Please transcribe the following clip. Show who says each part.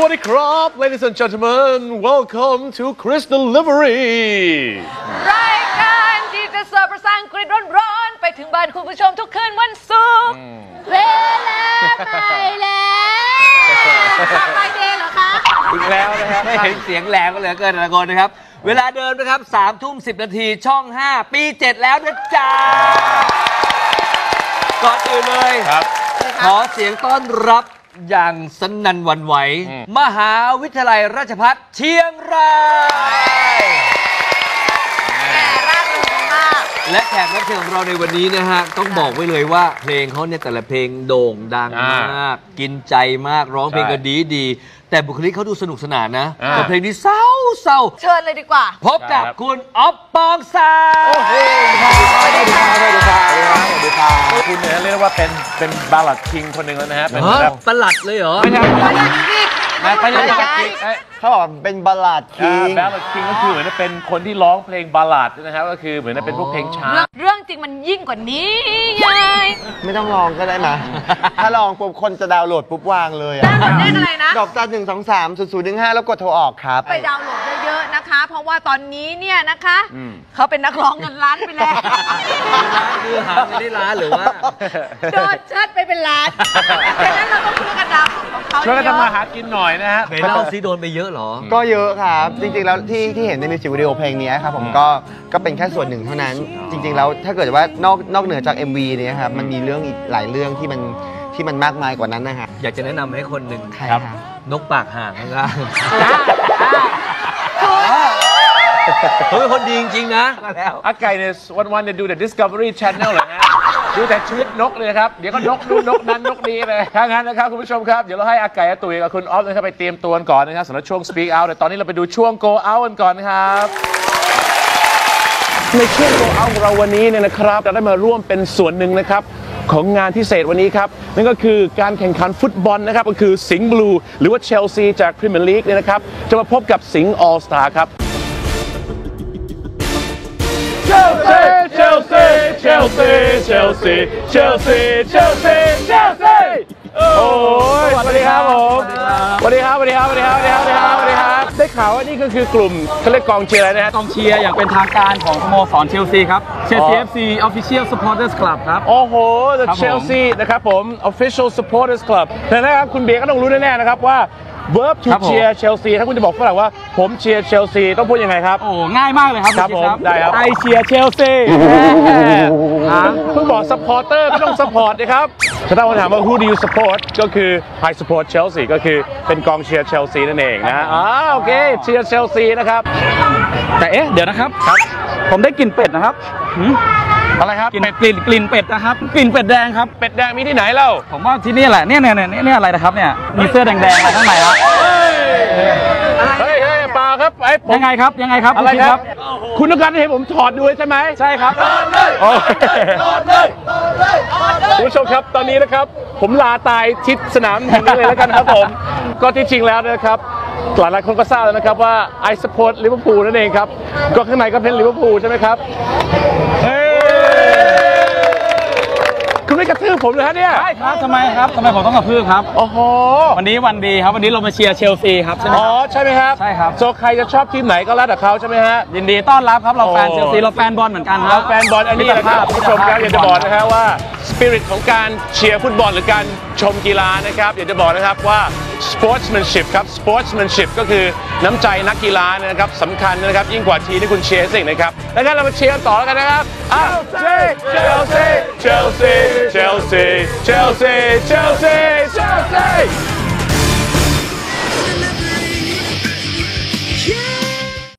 Speaker 1: วัสดีครับ Ladies and gentlemen welcome to Chris Delivery
Speaker 2: รายการที่จะเสิร์ฟภาษาอังกฤษร้อนๆไปถึงบ้านคุณผู้ชมทุกคืนวันศุกร์เวลาไม่แล้วไปเดย์เหรอคะ
Speaker 3: อีกแล้วนะครับไม่เห็นเสียงแหลมก็เหลือเกินนะคนนะครับเวลาเดิมนะครับ3:10 ช่อง5ปี7แล้วนะจ๊ะก่อนอื่นเลยขอเสียงต้อนรับอย่างสนั่นหวั่นไหวมหาวิทยาลัยราชภัฏเชียงรายและแขกรับเชิญของเราในวันนี้นะฮะต้องบอกไว้เลยว่าเพลงเขาเนี่ยแต่ละเพลงโด่งดังมากกินใจมากร้องเพลงก็ดีแต่บุคลิกเขาดูสนุกสนานนะแต่เพลงนี้เศร้า
Speaker 2: เชิญเลยดีกว่า
Speaker 3: พบกับคุณอ๊อฟปองศักดิ์
Speaker 1: โอ้โหสวัสดีครับสวัสดีครับคุณเนี่ยเรียกว่าเป็นบาลัดคิงคนหนึ่งแล้วนะฮะเป็นแบบ
Speaker 3: ประหลัดเลยเหรอ
Speaker 1: ไม่ใช่
Speaker 2: ประหลัดคิง
Speaker 4: เขาบอกเป็นบัลลาดคิง
Speaker 1: บัลลาดคิงก็คือเหมือนเป็นคนที่ร้องเพลงบัลลาดนะครับก็คือเหมือนเป็นพวกเพลงช้า
Speaker 2: เรื่องจริงมันยิ่งกว่านี้ยาย
Speaker 4: ไม่ต้องลองก็ได้มาถ้าลองปุ๊บคนจะดาวน์โหลดปุ๊บวางเลย
Speaker 2: เลขอะไรนะ
Speaker 4: ดอกจัน1230015แล้วกดโทรออกครับ
Speaker 2: ไปดาวน์โหลดเยอะๆนะคะเพราะว่าตอนนี้เนี่ยนะคะเขาเป็นนักร้องเงินล้านไปแล้ว
Speaker 3: คือหาไม่ได้ล้านหรือว่า
Speaker 2: โดนชัดไปเป็นล้านดังนั้นเราต้องช่วยกันดาวน์ของเขา
Speaker 1: ช่วยกันทำมาหากินหน่อยนะฮะ
Speaker 3: ไปเล่าซิโดนไปเยอะหรอ
Speaker 4: ก็เยอะครับจริงๆแล้วที่เห็นในมิวสิกวิดีโอเพลงนี้ครับผมก็เป็นแค่ส่วนหนึ่งเท่านั้นจริงๆแล้วถ้าเกิดว่านอกเหนือจาก MV เนี่ยครับมันมีเรื่องอีกหลายเรื่องที่มันมากมายกว่านั้นนะฮะ
Speaker 3: อยากจะแนะนำให้คนหนึ่ง
Speaker 4: ครับ
Speaker 3: นกปากห่างนะครับเขาเป็นคนดีจริงๆนะ
Speaker 1: แล้วอาไก่เนี่ยวันๆเนี่ยดูแต่ Discovery Channel เลยฮะดูแต่ชีวิตนกเลยครับเดี๋ยวก็นกนู่นนกนั้นนกนี้เลยถ้างั้นนะครับคุณผู้ชมครับเดี๋ยวเราให้อาไก่อาตุ๋ยกับคุณออฟนะครับไปเตรียมตัวก่อนนะครับสำหรับช่วง Speak Out แต่ตอนนี้เราไปดูช่วง Go Out กันก่อนครับในช่วง Go Out ของเราวันนี้เนี่ยนะครับเราได้มาร่วมเป็นส่วนหนึ่งนะครับของงานพิเศษวันนี้ครับนั่นก็คือการแข่งขันฟุตบอลนะครับก็คือสิงห์บลูหรือว่าเชลซีจากพรีเมียร์ลีกเนี่ยนะครับจะมาพบกับสิงห์ออลสตาร์ครับChelsea โอ้ยสวัสดีครับผมสวัสดีครับได้ข่าวว่านี่ก็คือกลุ่มเขาเรียกกองเชียร์อะไรนะฮะ
Speaker 5: กองเชียร์อย่างเป็นทางการของสโมสรเชลซีครับ Chelsea FC Official Supporters Club ครับ
Speaker 1: โอ้โห The Chelsea นะครับผม Official Supporters Club แต่นะครับคุณเบียร์ก็ต้องรู้แน่ๆนะครับว่า verb to cheer Chelsea ถ้าคุณจะบอกฝรั่งว่าผมเชียร์เชลซีต้องพูดยังไงครับ
Speaker 5: โอ้ง่ายมากเลยครับ
Speaker 1: ครับผมได้ครับ
Speaker 5: I cheer Chelsea
Speaker 1: เพิ่งบอก supporter ไม่ต้อง support นะครับถ้าถามว่า who do you support ก็คือ I support Chelsea ก็คือเป็นกองเชียร์เชลซีนั่นเองนะโอเคเชียร์เชลซีนะครับ
Speaker 5: แต่เดี๋ยวนะครับผมได้กลิ่นเป็ดนะครับ
Speaker 1: อะไรครับ
Speaker 5: กลิ่นเป็ดนะครับกลิ่นเป็ดแดงครับ
Speaker 1: เป็ดแดงมีที่ไหนเล่า
Speaker 5: ผมว่าที่นี่แหละเนี่ยอะไรนะครับเนี่ยมีเสื้อแดงๆอะไรข้างในครับ
Speaker 1: เฮ้ยปลาครับ
Speaker 5: ยังไงครับ
Speaker 1: อะไรครับคุณต้องการให้ผมถอดดูใช่ไหม
Speaker 5: ใช่ครับ
Speaker 1: คุณผู้ชมครับตอนนี้นะครับผมลาตายชิดสนามแห่งนี้เลยแล้วกันครับผมก็ที่จริงแล้วนะครับหลายคนก็ทราบแล้วนะครับว่า I support Liverpool นั่นเองครับก็ข้างในก็เป็น Liverpool ใช่ไหมครับคุณไม่กระทืบผมเลยฮะเนี่ย
Speaker 5: ใช่ครับทำไมผมต้องกระทืบครับ
Speaker 1: โอ้โห
Speaker 5: วันนี้วันดีครับวันนี้เรามาเชียร์เชลซีครับใช่ไหม
Speaker 1: ใช่ไหมครับ
Speaker 5: ใช่ครับ
Speaker 1: โซใครจะชอบทีมไหนก็แล้วแต่เขาใช่ไหมฮะ
Speaker 5: ยินดีต้อนรับครับเราแฟนเชลซีเราแฟนบอลเหมือนกัน
Speaker 1: เราแฟนบอลอันนี้นะครับผู้ชมครับอยากจะบอกนะฮะว่าสปิริตของการเชียร์ฟุตบอลหรือการชมกีฬานะครับอยากจะบอกนะครับว่า sportsmanship ครับ sportsmanship ก็คือน้ำใจนักกีฬานะครับสำคัญนะครับยิ่งกว่าทีมที่คุณเชียร์สิ่งนะครับแล้วงั้นเรามาเชียร์ต่อกันนะครับChelsea